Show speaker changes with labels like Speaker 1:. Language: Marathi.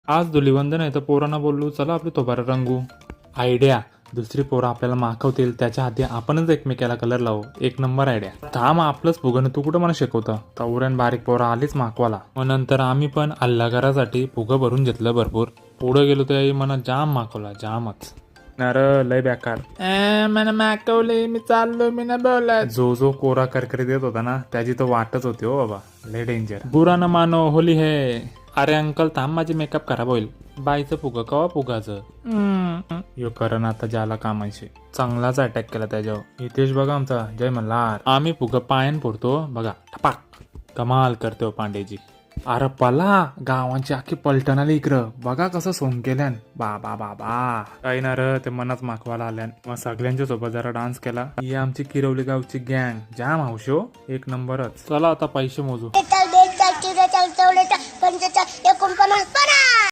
Speaker 1: आज धुलीवंदन आहे तर पोरांना बोललो चला आपली तोबारा रंगू. आयडिया. दुसरी पोरं आपल्याला माखवतील त्याच्या आधी आपणच एकमेकाला कलर लावू. एक नंबर आयडिया. थांब आपलंच फुगन तू कुठं मला शिकवतं. तवऱ्यान बारीक पोरं आलीच माखवाला. मग नंतर आम्ही पण अल्लागारासाठी फुगं भरून घेतलं भरपूर. पुढे गेलो त्याही मला जाम माखवला जामच. नर लय बेकार. मला माकवले मी चाललो मी ना बोलत. जो कोरा करकरी देत होता ना त्याची तो वाटच होती हो बाबा. लय डेंजर. बुरा न मानो होली है. अरे अंकल थांब माझी मेकअप खराब होईल. बाईचं फुग कवा फुगाचं यो करण आता ज्याला कामायचे. चांगलाच अटॅक केला त्याच्यावर. हितेश बघा आमचा जय मल्हार. आम्ही फुग पायन फोडतो बघा टपाक. कमाल करतो पांडेजी. अरे पला गावांची आखी पलटण आली इकडं. बघा कसं सोंग केल्यान. बाबा बाबा काही ना र ते मनात माखवाला आल्यान. मग सगळ्यांच्या सोबत जरा डान्स केला. ही आमची किरवली गावची गँग जाम हौशो एक नंबरच. चला आता पैसे मोजू.
Speaker 2: 41, 42, 43, 44, 45, 46, 47, 48, 49, 50.